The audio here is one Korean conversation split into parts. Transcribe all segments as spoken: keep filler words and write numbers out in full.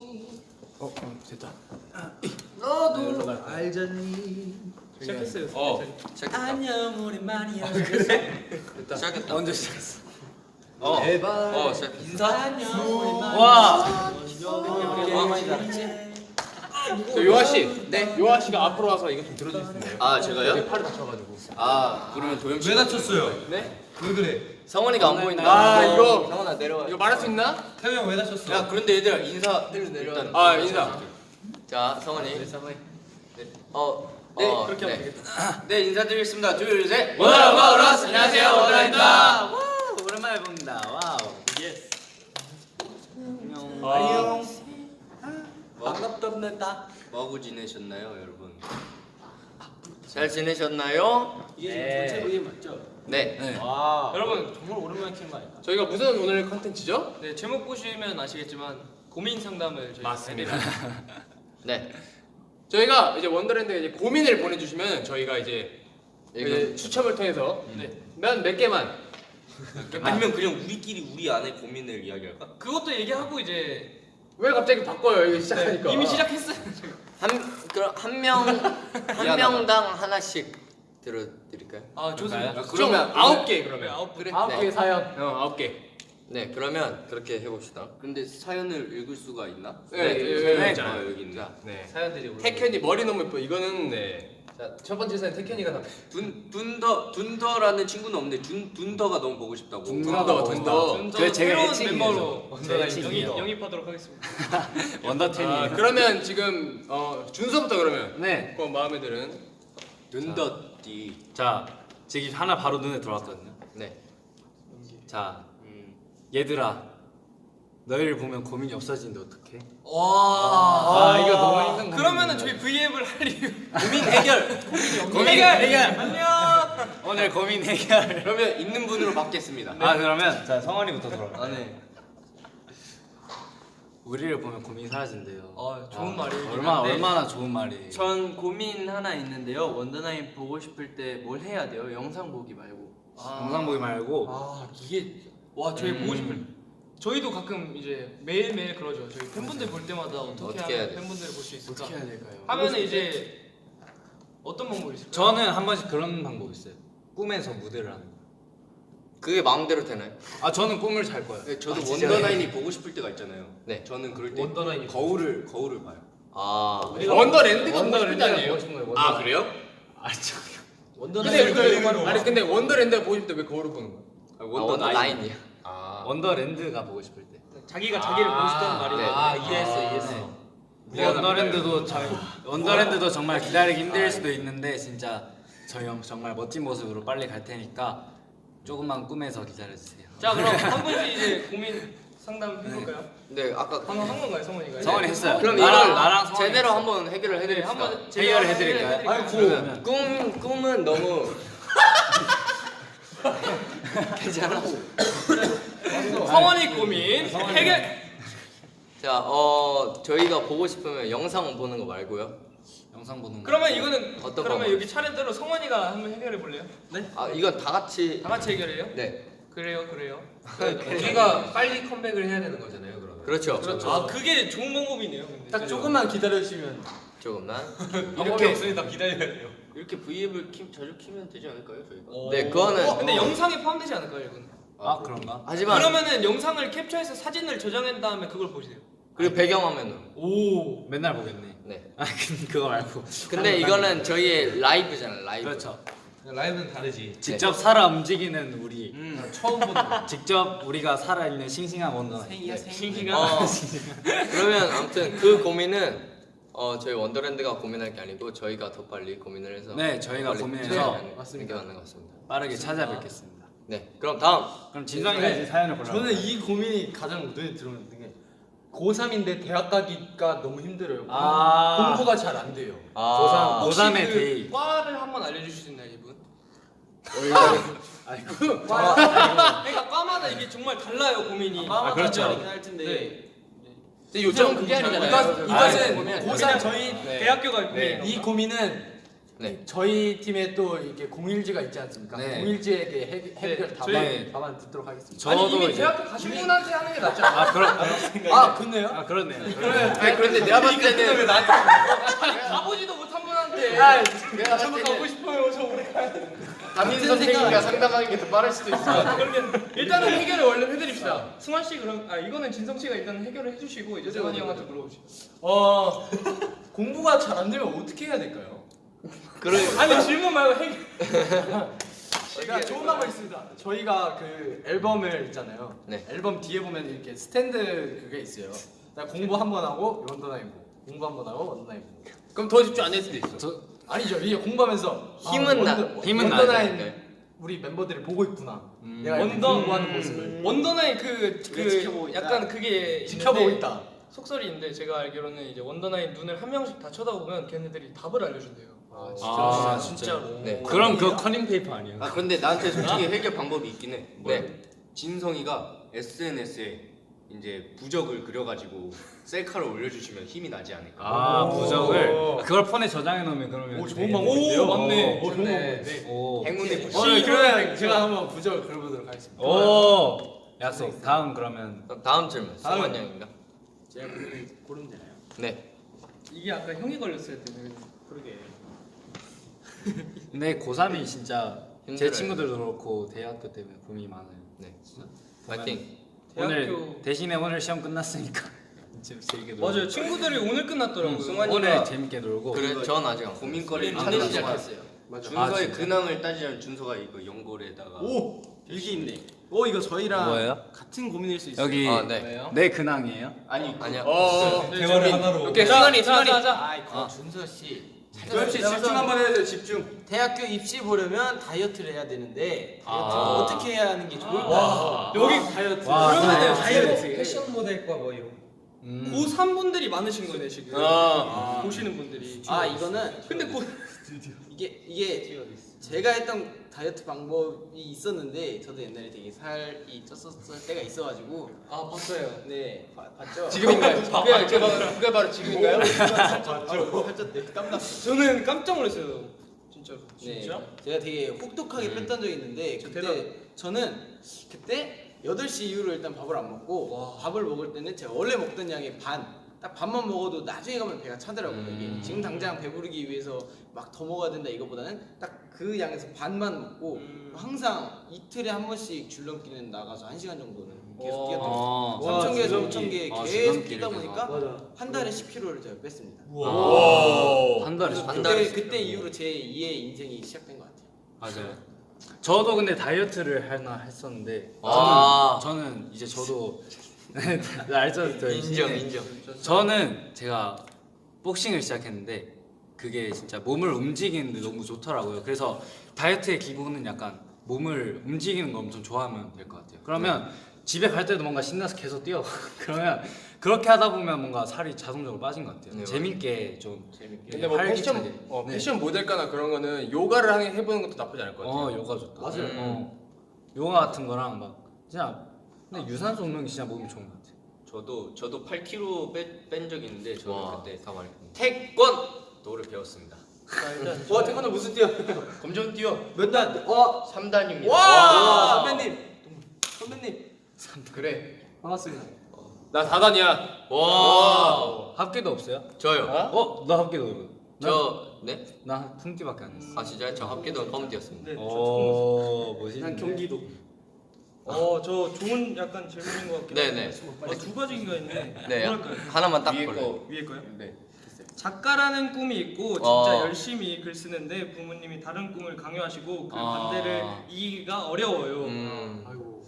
어, 어 됐다. 너도 알잖니. 시작했어요. 어, 시작했다. 안녕 오랜만이야. 아, 그래? 됐다. 시작했다. 언제 시작했어? 어. 제발. 어, 시작. 인사. 안녕 오랜만이야. 와. 와, 많이 잘했지. 저 요아 씨, 네. 요아 씨가 앞으로 와서 이거 좀 들어줄 수 있나요? 아, 제가요? 네, 팔이 다쳐가지고. 아, 그러면 도영 씨. 왜 다쳤어요? 네? 왜 그래? 성원이가 안 보인다. 아, 이거 성원아 내려와. 이거 말할 수 있나? 태우 형 왜 다쳤어? 야, 그런데 얘들아 인사 일단. 아, 인사. 자, 성원이. 네, 성원이. 어. 네, 어, 그렇게 하면 네. 네, 인사드리겠습니다. 둘, 셋. 원더라 마우러스. 안녕하세요, 원더라입니다. 와 오랜만에 봅니다. 와우. 예스. 안녕. 안녕. 반갑답니다. 뭐하고 지내셨나요, 여러분? 잘 지내셨나요? 네. 전체 브이엠 맞죠? 네. 네. 와. 여러분 정말 오랜만에 키는 거 아닐까? 저희가 무슨 오늘 컨텐츠죠? 네 제목 보시면 아시겠지만 고민 상담을 저희 맞습니다. 네. 저희가 이제 원더랜드에 이제 고민을 보내주시면 저희가 이제 이거. 이제 추첨을 통해서 네 몇 몇 개만 아니면 그냥 우리끼리 우리 안에 고민을 이야기할까? 그것도 얘기하고 이제 왜 갑자기 바꿔요? 이거 시작하니까. 네, 이미 시작했어요. 한 그럼 한 명 한 명당 하나씩 들어드릴까요? 아 좋습니다. 아, 그러면 그러면 아홉 개 네, 그러면. 아홉 그래. 아홉 네. 개 사연. 어, 아홉 개. 네, 그러면 그렇게 해봅시다. 근데 사연을 읽을 수가 있나? 네, 네, 여기 네, 있잖아요. 네. 여기 있네. 네. 사연들이 올라. 태현이 머리 너무 예뻐. 이거는 네. 자, 첫 번째 사연 태현이가 다. 둔 둔더 둔더라는 친구는 없는데 둔 둔더가 너무 보고 싶다고. 둔더, 둔더. 좀 그게 더 제가 새로운 애칭이에요. 멤버로 제 영입, 애칭이에요. 영입하도록 하겠습니다. 원더텐이. 아, 그러면 지금 어, 준서부터 그러면. 네. 그 마음에 드는. 둔더띠. 자 지금 하나 바로 눈에 들어왔거든요. 네. 자 음. 얘들아 너희를 보면 고민이 없어지는데 어떡해? 와. 아, 이거 너무 힘든 거. 그러면 저희 브이앱을 할 이유. 고민 해결. 고민 해결! 해결. 안녕. 오늘 고민 해결. 그러면 있는 분으로 받겠습니다. 아 그러면 자 성원이부터 들어. 아, 네. 우리를 보면 고민이 사라진대요. 아 좋은 말이에요. 얼마나 얼마나 좋은 말이에요. 전 고민 하나 있는데요. 원더나인 보고 싶을 때 뭘 해야 돼요? 영상 보기 말고. 영상 보기 말고. 아 이게 와 저희 보고 싶을. 저희도 가끔 이제 매일 매일 그러죠. 저희 팬분들 볼 때마다 어떻게, 어떻게 해야 하면 돼? 팬분들을 볼 수 있을까? 어떻게 해야 될까요? 하면은 이제 어떤 방법이 있을까요? 저는 한 번씩 그런 방법 있어요. 꿈에서 무대를 하는 거. 그게 마음대로 되나요? 아 저는 꿈을 잘 꿔요. 네, 저도 아, 진짜요? 원더나인이 보고 싶을 때가 있잖아요. 네. 저는 그럴 때 원더나인이 거울을 거울을 봐요. 아. 원더랜드가 원더랜드가 보고 싶은 아니에요? 보고 싶은 거예요. 아, 그래요? 아 저. 근데 왜, 아니 근데 원더랜드가 보고 싶을 때 왜 거울을 보는 거야? 아, 원더나인이야. 아. 원더랜드가 보고 싶을 때. 자기가 자기를 보고 싶다는 말이에요. 네. 아 이해했어 이해했어. 원더랜드도 저 원더랜드도 정말 기다리기 힘들 수도 있는데 진짜 저희 형 정말 멋진 모습으로 빨리 갈 테니까 조금만 꿈에서 기다려주세요. 자 그럼 한 분씩 이제 고민 상담 해볼까요? 네, 아까 방금 한 건가요, 성원이가? 성원이 했어요. 그럼 나랑- 이걸 나랑 성원이 제대로 했어. 한번 해결을 네, 해드립시다. 한번 해결을 해드릴까요? 아이고. 그러면 꿈 꿈은 너무 괜찮아. 성원이 고민 해결. 자, 어 저희가 보고 싶으면 영상 보는 거 말고요. 영상 보는 거. 그러면 이거는 어떤 그러면 방법? 여기 차례대로 성원이가 한번 해결해 볼래요? 아, 이건 다 같이 다 같이 해결해요? 네, 그래요, 그래요. 우리가 빨리 컴백을 해야 되는 거잖아요, 그러면. 그렇죠. 아 그게 좋은 방법이네요. 근데. 딱 조금만 기다려주시면 조금만 이렇게 없으니 다 기다려야 돼요. 이렇게 V앱을 키, 자주 키면 되지 않을까요, 저희가? 오. 네, 그거는 어, 근데 영상에 포함되지 않을까요, 이건? 아 그런가? 하지만 그러면은 영상을 캡처해서 사진을 저장한 다음에 그걸 보세요. 그리고 배경화면으로. 오. 맨날 보겠네. 네. 아 그- 그거 말고. 근데 이거는 저희의 라이브잖아요, 라이브. 그렇죠. 라이브는 다르지. 직접 살아 움직이는 우리. 음, 처음 보는 거. 직접 우리가 살아 있는 싱싱한 원더. 생이야 생. 싱싱한. 어, 그러면 아무튼 그 고민은 어 저희 원더랜드가 고민할 게 아니고 저희가 더 빨리 고민을 해서 네, 저희가 빨리 고민해서 네, 맞습니다. 맞는 것 같습니다. 빠르게 찾아뵙겠습니다. 네, 그럼 다음. 그럼 진성이가 이제 사연을 골라. 저는 이 고민이 가장 눈에 들어오는 게 고삼인데 대학 가기가 너무 힘들어요. 아. 공부가 잘 안 돼요. 아, 혹시 고삼의 그 데이. 과를 한번 알려주실 수 있나요, 이분? 아이고. 그러니까 과마다 이게 정말 달라요, 고민이. 아, 그렇죠. 할 텐데. 네. 근데 요즘 그게 아니잖아요. 이것, 아, 이것은 네. 고삼 저희 대학교가 네. 고민이 이 고민은 네. 저희 팀에 또 이렇게 공일지가 있지 않습니까? 네. 공일지에게 해- 해결 네, 답안 저희- 답안 듣도록 하겠습니다. 저도 아니 이미 이제 대학교 가신 분한테 하는 게 낫지 않아? 아 그런 아 그렇네요. 아 그렇네요. 아니 그런데 내가 봤을 때는 가보지도 못한 분한테. 내가 봤을 저도 때는 가고 싶어요. 저 오래 가야 돼. 담임 선생님과 상담하는 게 더 빠를 수도 있어. 그러면 일단은 해결을 얼른 해드립시다. 승환 씨 그럼 아 이거는 진성 씨가 일단 해결을 해주시고 이제 승환이 형한테 물어보시죠. 어 공부가 잘 안 되면 어떻게 해야 될까요? 그래. 아니 질문 말고 해결. 제가 좋은 방법 있습니다. 저희가 그 앨범을 있잖아요. 네. 앨범 뒤에 보면 이렇게 스탠드 그게 있어요. 나 공부 한 번 하고 원더나인 보고 공부 한 번 하고 원더나인 보고. 그럼 더 집중 안 될 수도 있어. 저 아니죠. 이게 공부하면서 힘은 나- 힘은 원더나인 나야. 우리 멤버들이 보고 있구나. 음. 내가 이렇게 원더- 공부하는 모습을 원더나인 그, 그게 그 지켜보고 있다. 약간 그게 지켜보고 있는데 있다. 속설이인데 제가 알기로는 이제 원더나인 눈을 한 명씩 다 쳐다보면 걔네들이 답을 알려준대요. 아 아, 진짜로. 네. 그럼 그거 커닝 페이퍼 아니에요? 아 그런데 나한테 솔직히 해결 방법이 있긴 해. 네. 진성이가 에스엔에스에 이제 부적을 그려가지고 셀카를 올려주시면 힘이 나지 않을까. 아 부적을 아, 그걸 폰에 저장해 놓으면 그러면 오, 좋은 되게- 방법인데요? 오, 맞네. 오, 좋은 네. 방법인데. 오. 행운의 부적. 어, 그러면 제가 한번 부적을 그려보도록 하겠습니다. 오 약속. 다음 그러면 그럼 다음 질문. 다음. 승환 형인가? 제가 고르면 고르면 되나요? 네. 이게 아까 형이 걸렸어야 되네. 그러게. 근데 고삼이 진짜 제 힘들어요. 친구들도 그렇고 대학교 때문에 고민이 많아요. 네. 파이팅. 오늘 대학교- 대신에 오늘 시험 끝났으니까 이제 재밌게 놀고. 맞아요. 친구들이 오늘 끝났더라고요. 승환이가 오늘 재밌게 놀고. 그래, 전 아직 안 고민거리를 끝났어요. 찾는 시작했어요. 아, 준서의 진짜? 근황을 따지자면 준서가 이거 연골에다가 오 일기 있네. 어 이거 저희랑 뭐예요? 같은 고민일 수 있어요. 여기 아, 네. 내 근황이에요? 아니 아니야. 대화를 하나로. 오케이 승환이 승환이. 아이 그 준서 씨. 조엽 씨 집중 한번 해주세요. 집중. 대학교 입시 보려면 다이어트를 해야 되는데 아. 어떻게 해야 하는 게 좋을까? 여기 다이어트. 와, 그러면 다이어트. 패션 모델과 뭐 이런. 음. 고삼 분들이 많으신 거네 지금. 아. 보시는 분들이. 아 이거는 근데 고 이게 이게 제가 했던 다이어트 방법이 있었는데 저도 옛날에 되게 살이 쪘었을 때가 있어가지고 아 봤어요. 네 봐- 봤죠? 지금인가요? 그게 그게 바로 그게 바로 지금인가요? 바로 살쪘대 깜났어. 저는 깜짝 놀랐어요. 진짜로. 네, 제가 되게 혹독하게 음. 뺐던 적이 있는데 그때 대단. 저는 그때 여덟 시 이후로 일단 밥을 안 먹고 밥을 먹을 때는 제가 원래 먹던 양의 반 딱 밥만 먹어도 나중에 가면 배가 차더라고요. 음. 이게 지금 당장 배부르기 위해서 막 더 먹어야 된다 이거보다는 딱 그 양에서 반만 먹고 음. 항상 이틀에 한 번씩 줄넘기는 나가서 한 시간 정도는 계속 와. 뛰었던 아, 거예요. 삼천 개에서 줄넘기. 오천 개 아, 계속 줄넘기를 뛰다 보니까 맞아. 한 달에 십 킬로를 제가 뺐습니다. 한 달에 그래서 한 그때, 달에 십 그때 이후로 제 이의 인생이 시작된 것 같아요. 맞아요. 저도 근데 다이어트를 하나 했었는데 아. 저는, 저는 이제 저도 알죠? 저 인정 인정. 저는 제가 복싱을 시작했는데 그게 진짜 몸을 움직이는데 너무 좋더라고요. 그래서 다이어트의 기본은 약간 몸을 움직이는 거 엄청 좋아하면 될 것 같아요. 그러면 집에 갈 때도 뭔가 신나서 계속 뛰어. 그러면 그렇게 하다 보면 뭔가 살이 자동적으로 빠진 것 같아요. 네, 재밌게 좀 재밌게. 근데 뭐 활기차게. 패션 어, 네. 패션 모델가나 그런 거는 요가를 하는 해보는 것도 나쁘지 않을 것 같아요. 어 요가 좋다. 맞아요. 어, 요가 같은 거랑 막 진짜 근데 유산소 운동이 진짜 몸이 좋은 것 같아요. 저도 저도 팔 킬로그램 뺀, 뺀 적이 있는데 저는 와, 그때 다 말했네. 태권도를 배웠습니다. 와 태권도 무슨 뛰어? 검정 뛰어 몇 단? 와, 삼 단입니다. 와, 선배님, 선배님 그래. 반갑습니다. 나 다단이야. 와. 합계도 없어요? 저요. 어? 나 합계도. 저 네? 나 풍기밖에 안 했어. 아 진짜요? 저 합계도 처음 뛰었습니다. 네. 오 멋있네. 난 경기도. 어저 좋은 약간 질문인 것 같긴 네네. 한데 어, 두 가지인가 있는데 네. 뭐랄까요? 하나만 딱 위에 걸려. 거 위에 거요? 네. 작가라는 꿈이 있고 진짜 어. 열심히 글 쓰는데 부모님이 다른 꿈을 강요하시고 그 아. 반대를 이기기가 어려워요. 음. 아이고.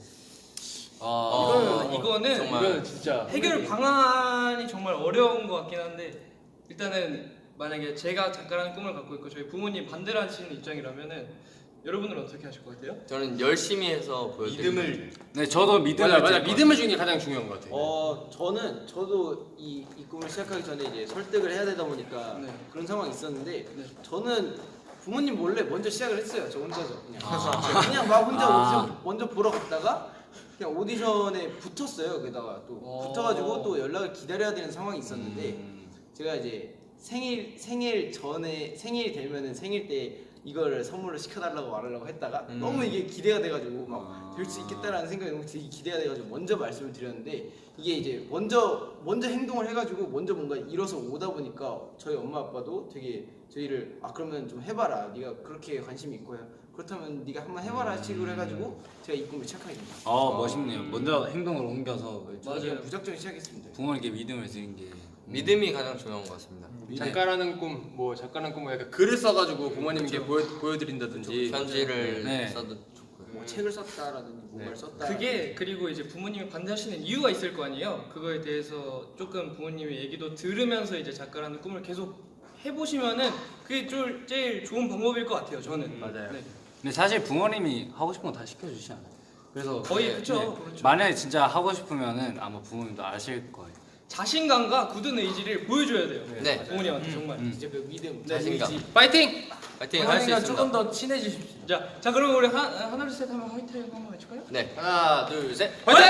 아, 이거는 이거는 정말. 이거는 진짜 해결 방안이 정말 어려운 것 같긴 한데 일단은 만약에 제가 작가라는 꿈을 갖고 있고 저희 부모님 반대를 하시는 입장이라면은 여러분은 어떻게 하실 것 같아요? 저는 열심히 해서 보여드리는 믿음을 네 저도 믿음을 맞아 맞아 질 믿음을 주는 게 가장 중요한 것 같아. 어 저는 저도 이, 이 꿈을 시작하기 전에 이제 설득을 해야 되다 보니까 네. 그런 상황이 있었는데 네. 저는 부모님 몰래 먼저 시작을 했어요. 저 혼자서 그냥 아. 그냥 막 혼자 아. 오디션 먼저 보러 갔다가 그냥 오디션에 붙었어요. 게다가 또 오. 붙어가지고 또 연락을 기다려야 되는 상황이 있었는데 음. 제가 이제 생일 생일 전에 생일이 되면은 생일 때 이거를 선물로 시켜달라고 말하려고 했다가 음. 너무 이게 기대가 돼가지고 막 될 수 아. 있겠다라는 생각이 너무 되게 기대가 돼가지고 먼저 말씀을 드렸는데 이게 이제 먼저 먼저 행동을 해가지고 먼저 뭔가 일어서 오다 보니까 저희 엄마 아빠도 되게 저희를 아 그러면 좀 해봐라 네가 그렇게 관심이 있고 그렇다면 네가 한번 해봐라 식으로 해가지고 제가 이 꿈을 시작하게 됩니다. 어 멋있네요. 먼저 행동을 옮겨서 맞아요. 무작정 시작했습니다. 부모님께 믿음을 드린 게 믿음이 가장 중요한 것 같습니다. 작가라는 꿈, 뭐 작가라는 꿈을 약간 글을 써가지고 부모님께 보여 보여드린다든지. 편지를 네. 써도 좋고요. 뭐 책을 썼다라든지 뭔가를 네. 썼다. 그게 그리고 이제 부모님이 반대하시는 이유가 있을 거 아니에요. 그거에 대해서 조금 부모님의 얘기도 들으면서 이제 작가라는 꿈을 계속 해보시면은 그게 좀 제일 좋은 방법일 것 같아요. 저는. 맞아요. 네. 근데 사실 부모님이 하고 싶은 거 다 시켜주시지 않아요. 그래서 거의 네. 그쵸. 네. 그렇죠. 만약에 진짜 하고 싶으면은 아마 부모님도 아실 거예요. 자신감과 굳은 의지를 보여줘야 돼요. 네. 부모님한테 정말. 음. 이제 그 믿음, 네, 자신감. 의지. 파이팅! 파이팅 할 수 있습니다. 조금 더 친해지십시오. 자, 자 그럼 우리 하, 하나 둘셋 하면 화이팅 한번 해줄까요? 네. 하나 둘 셋. 파이팅!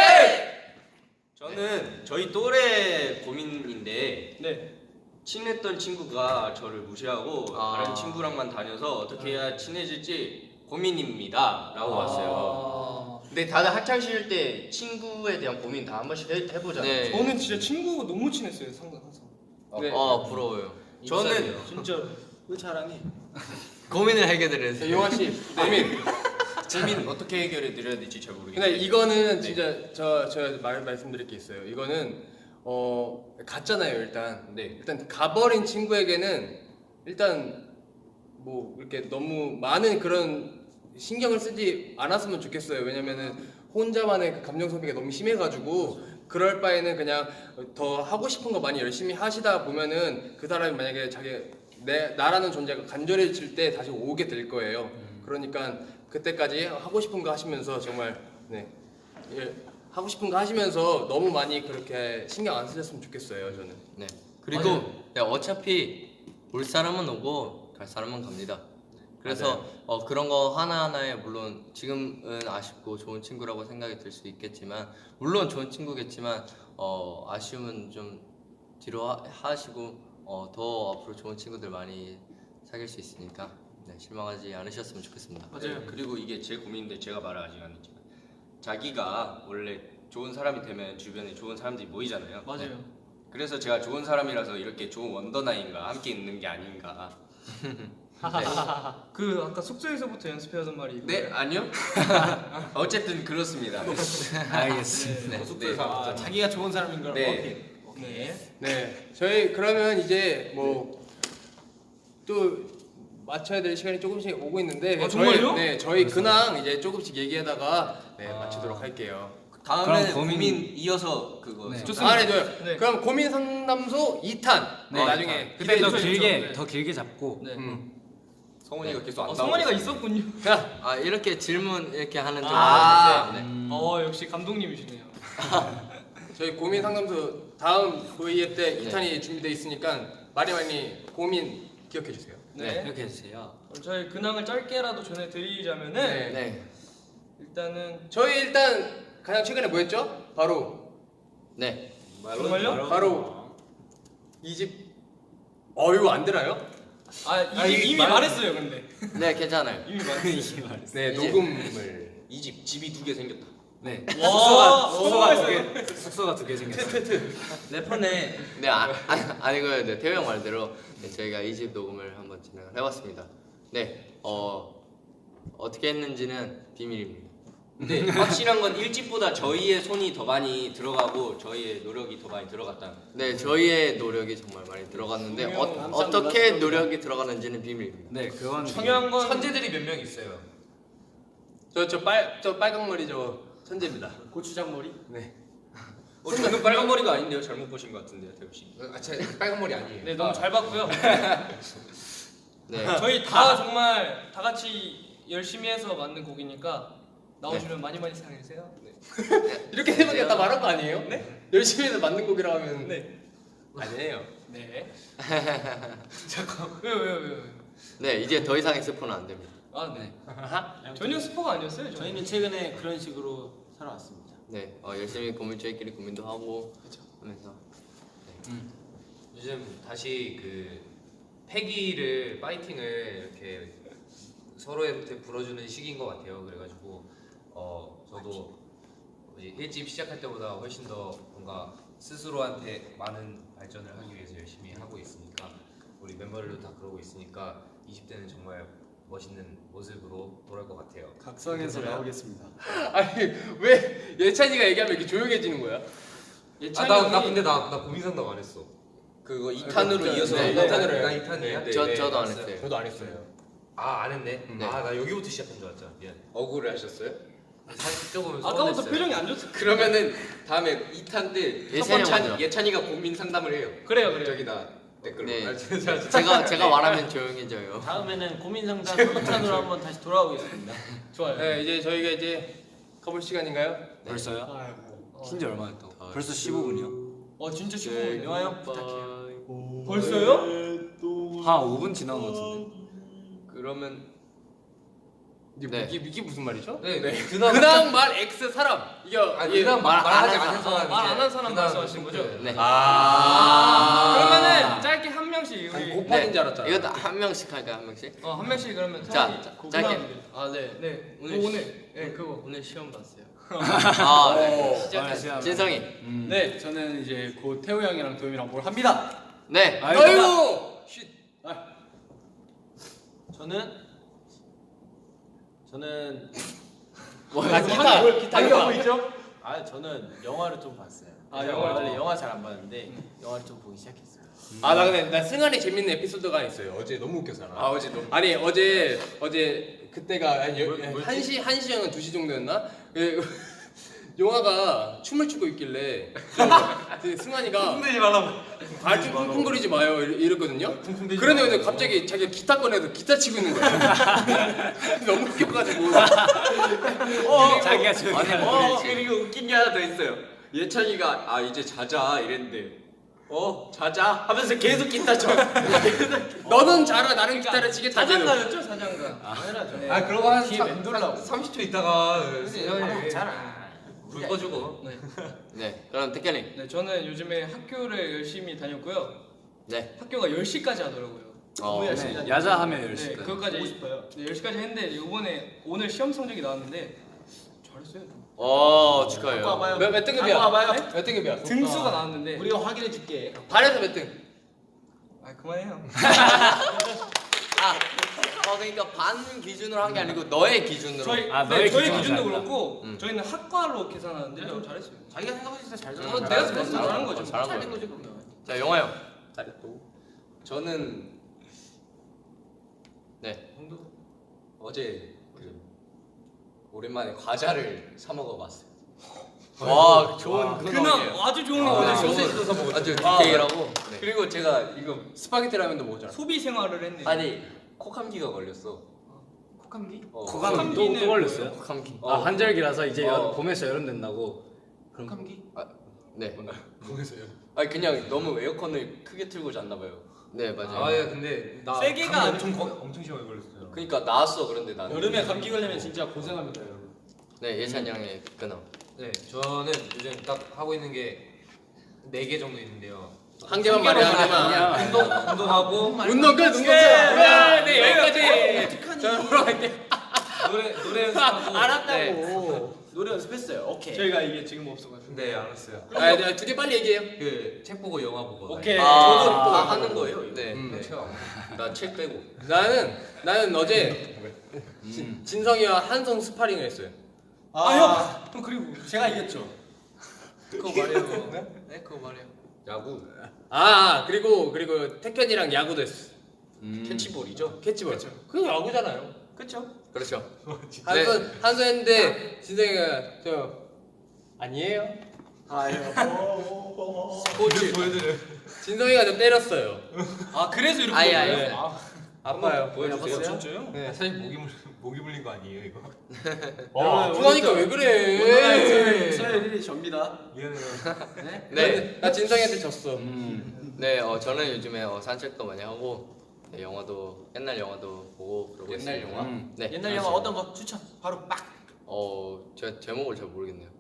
저는 저희 또래 고민인데 네. 친했던 친구가 저를 무시하고 아. 다른 친구랑만 다녀서 어떻게 해야 친해질지 고민입니다라고 왔어요. 근데 다들 학창 시절 때 친구에 대한 고민 다 한 번씩 해, 해보잖아요. 네. 저는 진짜 친구가 너무 친했어요. 상당 항상. 네. 아 부러워요. 저는 진짜. 왜 자랑해? 고민을 해결해 자, 용환 씨, 고민. 고민 어떻게 해결해 드려야 될지 잘 모르겠어요. 근데 이거는 진짜 저 제가 말 말씀드릴 게 있어요. 이거는 어 갔잖아요 일단. 네. 일단 가버린 친구에게는 일단 뭐 이렇게 너무 많은 그런 신경을 쓰지 않았으면 좋겠어요. 왜냐면은 혼자만의 그 감정 소비가 너무 심해가지고 그럴 바에는 그냥 더 하고 싶은 거 많이 열심히 하시다 보면은 그 사람이 만약에 자기 내 나라는 존재가 간절해질 때 다시 오게 될 거예요. 그러니까 그때까지 하고 싶은 거 하시면서 정말 네 예, 하고 싶은 거 하시면서 너무 많이 그렇게 신경 안 쓰셨으면 좋겠어요. 저는. 네. 그리고 네, 어차피 올 사람은 오고 갈 사람은 갑니다. 그래서 어, 그런 거 하나하나에 물론 지금은 아쉽고 좋은 친구라고 생각이 들 수 있겠지만 물론 좋은 친구겠지만 어, 아쉬움은 좀 뒤로 하, 하시고 어, 더 앞으로 좋은 친구들 많이 사귈 수 있으니까 네, 실망하지 않으셨으면 좋겠습니다. 맞아요. 그리고 이게 제 고민인데 제가 말을 아직 안 했지만 자기가 원래 좋은 사람이 되면 주변에 좋은 사람들이 모이잖아요. 맞아요. 그래서 제가 좋은 사람이라서 이렇게 좋은 원더나인과 함께 있는 게 아닌가. 그 아까 숙소에서부터 연습해오던 말이 이거예요? 네 아니요. 어쨌든 그렇습니다. 알겠습니다. 네. 숙소에서 아, 자기가 좋은 사람인 걸 네. 어필. 네. 네, 저희 그러면 이제 뭐 또 맞춰야 될 시간이 조금씩 오고 있는데 아, 저희 정말요? 네 저희 근황 이제 조금씩 얘기하다가 네 마치도록 할게요. 다음에 그럼 고민- 고민 이어서 그거. 네. 좋습니다. 아, 네, 좋아요. 네. 그럼 고민 상담소 이 탄 네. 나중에 그때 더 기대해 주세요. 길게 네. 더 길게 잡고 네. 음. 성훈이가 계속 안 어, 나오고. 성원이가 있어요. 있었군요. 자, 아 이렇게 질문 이렇게 하는 좀 아. 네. 음. 어 역시 감독님이시네요. 저희 고민 상담소 다음 브이앱 때 네. 이 탄이 준비되어 있으니까 많이 많이 고민 기억해 주세요. 네. 이렇게 해주세요. 그럼 저희 근황을 짧게라도 전해드리자면은 네. 네. 일단은 저희 일단 가장 최근에 뭐 했죠? 바로 네. 정말요? 바로 이 집 어유 안 되나요? 아, 이, 아, 이게 이미 말- 말했어요 근데 네 괜찮아요. 이미 말했어요. 네, 이제- 녹음을 이 집 집이 두 개 생겼다. 네. 와, 숙소가 두 개, 숙소가 두 개 생겼어요. 래퍼네. 네 아, 아, 아니고요. 네, 태호 형 말대로 네, 저희가 이 집 녹음을 한번 진행을 해봤습니다. 네. 어 어떻게 했는지는 비밀입니다. 근데 확실한 건 일 집보다 저희의 손이 더 많이 들어가고 저희의 노력이 더 많이 들어갔다. 네, 저희의 노력이 정말 많이 들어갔는데 분명 어, 어떻게 노력이 들어갔는지는 비밀입니다. 네, 그건 중요한 건 천재들이 몇 명 있어요. 저 저 빨 저 빨강 머리 저 천재입니다. 고추장 머리? 네. 어, 저는 빨간 머리가 아닌데요. 잘못 보신 것 같은데요, 태우 씨. 아, 제 빨강 머리 아니에요. 네 너무 잘 봤고요. 네. 저희 다 정말 다 같이 열심히 해서 만든 곡이니까 나오시면 많이 많이 사랑해 주세요. 네. 이렇게 되면 그냥 다 말한 거 아니에요? 네. 열심히 해서 만든 곡이라 하면 네. 아니에요. 네. 잠깐. 왜요 왜요 왜요? 네, 이제 더 이상의 스포는 안 됩니다. 아 네. 전혀 스포가 아니었어요. 저희. 저희는 최근에 그런 식으로 살아왔습니다. 네, 어, 열심히 고민 저희끼리 고민도 하고 하면서 요즘 다시 그 패기를 파이팅을 이렇게 서로한테 불어주는 시기인 것 같아요. 그래가지고 어 저도 뭐지, 일집 시작할 때보다 훨씬 더 뭔가 스스로한테 많은 발전을 하기 위해서 열심히 하고 있으니까 우리 멤버들도 다 그러고 있으니까 이십 대는 정말 멋있는 모습으로 돌아올 것 같아요. 각성해서 나오겠습니다. 아니 왜 예찬이가 얘기하면 이렇게 조용해지는 거야? 예찬이 아나 나 형이- 근데 나 나 고민 상담 안 했어. 그거 이 탄으로 이어서 네, 네, 이 탄으로 나 해요. 이 탄이야? 네, 저 네. 저도 안 알았어요. 했어요. 저도 안 했어요. 아 안 했네. 네. 아 나 여기부터 시작한 줄 알았잖아. 미안. 억울해 하셨어요? 사실 조금 아까부터 서운했어요. 표정이 안 좋다. 그러면은 다음에 이 탄 때 예찬이 예찬이 먼저. 예찬이가 고민 상담을 해요. 그래요, 그래요. 저기다 댓글로. 네. 아, 진짜. 제가 제가 말하면 조용해져요. 다음에는 고민 상담 이 탄으로 한번 다시 돌아오겠습니다. 좋아요. 네 이제 저희가 이제 가볼 시간인가요? 벌써요? 어. 쉰지 얼마 됐다고? 벌써 십오 분이요? 어 진짜 네, 쉽고 영화 형 부탁해요. 벌써요? 한 오 분 지난 것 같은데. 그러면 이게, 네. 이게, 이게 무슨 말이죠? 네, 네. 그나마 근황 말 X 사람 이게 아니 이게 그냥 말 안 말하지 한 않은 사람 말 안 한 사람 그냥 말씀하시는 거죠? 토크. 네. 아, 그러면은 짧게 한 명씩 아니, 우리 곱하기인 줄 알았잖아. 이것도 한 명씩 할까요, 한 명씩? 어 한 명씩 그러면 자, 사연이 자, 고- 짧게. 근황. 아 네. 네 오늘 오늘 오늘 네 그거 오늘 시험 봤어요. 아, 네. 시작했어요. 진성이. 음. 네, 저는 이제 곧 태우 형이랑 도현이랑 뭘 합니다. 네. 아이고. 저는 저는 아, 기타 뭘 기타 이거 있죠? 아 저는 영화를 좀 봤어요. 아, 제가 영화를 원래 좀 영화 잘 안 봤는데 영화를 좀 보기 시작했어요. 아 나 근데 나 승환이 재밌는 에피소드가 있어요. 어제 너무 웃겼잖아. 아 어제 너무 아니 어제 어제 그때가 한 여- 뭘- 뭐였지? 한 시 한 시였나 두 시 정도였나? 그 용화가 춤을 추고 있길래 그 승환이가 흔들지 말라고. 발좀 쿵쿵거리지 마요 이러- 이랬거든요. 그런데 근데 갑자기 자기가 기타 꺼내서 기타 치고 있는 거야. 너무 웃겨가지고. 자기가 저기 어 그리고 웃긴 게 하나 더 있어요. 예찬이가 아 이제 자자 이랬는데 어 자자 하면서 계속 기타 쳐. 너는 잘하 나는 기타를 치겠다. 사장가였죠 사장가. 당연하죠. 네. 아 그러고 한 뒤에 삼- 맴돌라고. 한 삼십 초 있다가 아, 잘 불 꺼주고. 네. 네. 그럼 택견이. 네 저는 요즘에 학교를 열심히 다녔고요. 네. 학교가 열 시까지 하더라고요. 어. 너무 열심히 네, 야자 하면 열 네 시. 그것까지 보고 싶어요. 네, 열 시까지 했는데 이번에 오늘 시험 성적이 나왔는데 잘했어요. 어, 갖고 축하해요. 와봐요. 몇, 몇 등급이야? 갖고 와봐요. 몇 등급이야? 등수가 나왔는데 우리가 확인해 줄게. 반에서 몇 등? 아 그만해요. 아, 어 그러니까 반 기준으로 한 게 아니고 너의 기준으로. 저희 아, 네, 너의 저희 기준으로 기준도 잘했다. 그렇고 음. 저희는 학과로 계산하는데 좀 잘했어요. 자기가 생각했을 때 잘 음, 잘한 내가 잘했어, 생각했을 때 잘한 거죠. 거죠. 잘한 잘된 거예요. 거지 그러면. 자, 영화 형. 잘했고. 저는 네. 형도 어제 그 오랜만에 과자를 사 먹어봤어요. 와, 좋은 근황 근황이에요. 아주 좋은 아, 거 네. 소세지도 사 먹었죠. 아주 아, 디테일하고. 네. 그리고 제가 이거 스파게티 라면도 먹었잖아. 소비 생활을 했네. 아니 콧감기가 걸렸어. 콧감기? 어. 코감 또, 코감기는 또 걸렸어요? 감기. 아 환절기라서 이제 여, 어. 봄에서 여름 된다고. 감기? 네. 아니 그냥 너무 에어컨을 크게 틀고 잤나 봐요. 네, 맞아요. 아 예, 근데 나 세게가 감기 아니고 엄청 거- 엄청 심하게 걸렸어요. 그러니까 나왔어 그런데 나는 여름에 감기 걸리면 진짜 고생합니다, 여러분. 네, 예찬 양의 근황. 네, 저는 요즘 딱 하고 있는 게 네 개 정도 있는데요. 한 개만 말해 한 개만. 운동 운동하고 운동 끝 운동 끝. 네, 네 여기까지. 자 돌아갈게. 노래 노래 연습하고. 알았다고. 노래 연습했어요. 오케이. 저희가 이게 지금 없어가지고. 네, 알았어요. 아, 네, 두개 빨리 얘기해요. 그 책 보고 영화 보고. 오케이. 저도 아, 다 아, 하는 거예요. 이거. 네. 음. 네. 책 안 보고. 나 책 빼고. 나는 나는 어제 음. 진, 진성이와 한성 스파링을 했어요. 아 형. 형 그리고 제가 이겼죠. 그거 말해요. 네, 그거 말해요. 야구. 아 그리고 그리고 태현이랑 야구도 했어. 음. 캐치볼이죠. 캐치볼. 그거 야구잖아요. 그쵸? 그렇죠. 한성 한성 했는데 진성이가 저 아니에요. 스포츠 보여드려. 진성이가 좀 때렸어요. 아 그래서 이렇게. 아예, 아예. 네. 아파요. 보여주세요. 진짜요? 네. 사실 목이 물 목이 물린 거 아니에요 이거? 와, 아프다니까 왜 그래? 서열이 접니다. 미안해요. 네? 네. 나 진성이한테 졌어. 음. 네, 어, 저는 요즘에 어, 산책도 많이 하고 네, 영화도 옛날 영화도 보고 그러고 옛날 있습니다. 영화? 음. 네. 옛날 영화 어떤 거 추천? 바로 빡. 어, 제 제목을 잘 모르겠네요.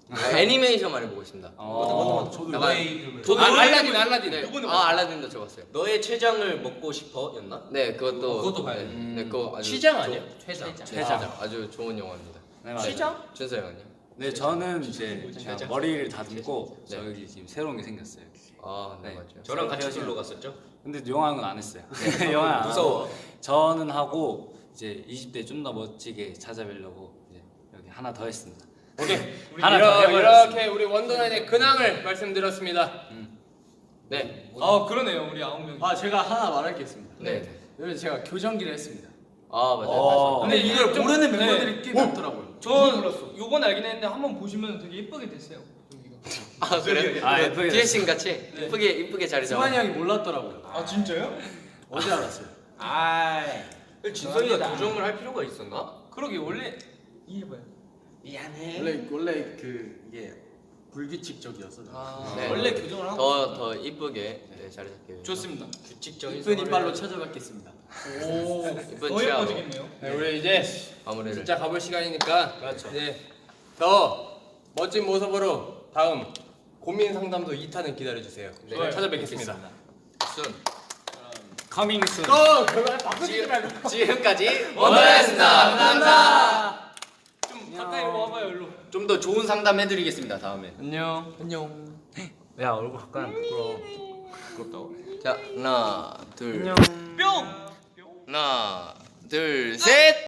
아, 애니메이션 많이 보고 있습니다. 어. 저도 약간 아, 알라딘 알라딘. 네. 아 알라딘도 저 봤어요. 너의 췌장을 먹고 싶어였나? 네 그것도 어, 그것도 봐야 네, 돼. 네 그거 아주 취장 좋- 아니야? 퇴장. 퇴장 아주 좋은 영화입니다. 네, 맞아요. 준서 형은요? 네 저는 이제 진짜. 제가 머리를 다듬고 네. 저기 지금 새로운 게 생겼어요. 아 네 네. 맞죠. 저랑 같이 놀러 갔었죠? 근데 영화는 안 했어요. 영화 안 하고 무서워. 저는 하고 이제 이십 대 좀 더 멋지게 찾아뵈려고 이제 여기 하나 더 했습니다. 오케이. 하나 더 이러, 해버렸습니다. 이렇게 우리 원더나잇의 근황을 말씀드렸습니다. 네. 아 그러네요 우리 아홉 명이. 아 제가 하나 말할 게 있습니다. 네. 여기 제가 교정기를 했습니다. 아 맞아요. 어. 근데 이걸 좀- 모르는 네. 멤버들이 꽤 많더라고요. 전 요번 알긴 했는데 한번 보시면 되게 예쁘게 됐어요. 여기가. 아 그래? 아, 예쁘게 디에스인 같이 예쁘게 이쁘게 자리 잡아. 승환이 형이 몰랐더라고요. 아 진짜요? 어제 알았어요. 아이. 진성이가 교정을 할 필요가 있었나? 그러게 원래 이해봐요. 미안해. 원래 원래 그 이게 불규칙적이어서. 네. 원래 교정을 하고 더 더 이쁘게 네, 자리 잡기 위해서. 좋습니다. 규칙적인 이쁜 생활을 이빨로 찾아뵙겠습니다. 오. 이쁜 더 치아로 예뻐지겠네요. 네, 우리 이제 마무리를. 진짜 가볼 시간이니까 그렇죠. 이제 더 멋진 모습으로 다음 고민 상담소 이 탄을 기다려 주세요. 네, 좋아요. 찾아뵙겠습니다. 순. 커밍 순. 또 그걸 바꾸지 말고. 지금까지 원더였습니다. 감사합니다. 좀 가까이 와봐요 일로. 좀 더 좋은 상담 해드리겠습니다 다음에. 안녕. 안녕. 야 얼굴 가까이 부끄러워. 부끄럽다고? 자 하나 둘 안녕. 뿅. 하나 둘 셋.